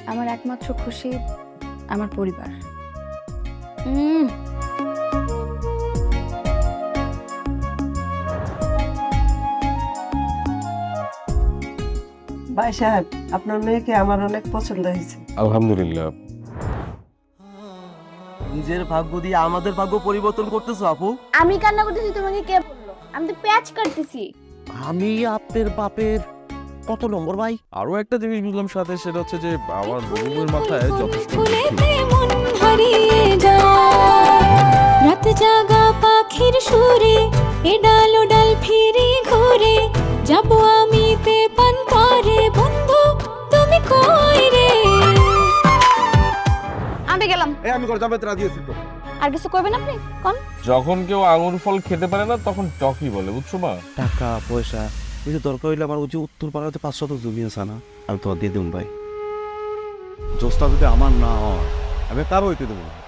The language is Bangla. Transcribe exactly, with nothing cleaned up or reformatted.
আমার একমাত্র খুশি আমার পরিবার। উম ভাই সাহেব, আপনার মেয়েকে আমার অনেক পছন্দ হয়েছে। আলহামদুলিল্লাহ। নিজের ভাগ্য দিয়ে আমাদের ভাগ্য পরিবর্তন করতেছো আপু? আমি কান্না করতেছি, তোমাকে কে বললো? আমি তো প্যাচ কাটতেছি। আমি আপনার বাপের কত নম্বর ভাই? আরো একটা জিনিস বুঝলাম সাথে, সেটা হচ্ছে যে আমার বউয়ের মাথায় যথেষ্ট ফুলেতে মন হারিয়ে যায়, রাত জাগা পাখির সুরে এ ডাল ও ডাল ফিরে ঘুরে যাব আমি তে পান্তরে, বন্ধু তুমি কই রে? আমি গেলাম। এই আমি করে যাবে রাজি আছি তো। আর কিছু করবেন আপনি? কোন যখন কেউ আঙুর ফল খেতে পারে না তখন টকি বলে, বুঝছো মা? টাকা পয়সা বুঝে দরকার হইলে আমার যে উত্তর পাড়াতে পাঁচশত জমি আছে না, আমি তোমার দিয়ে দেবো ভাই। জোসটা যদি আমার না হয় আমি কারো হইতে দেবো না।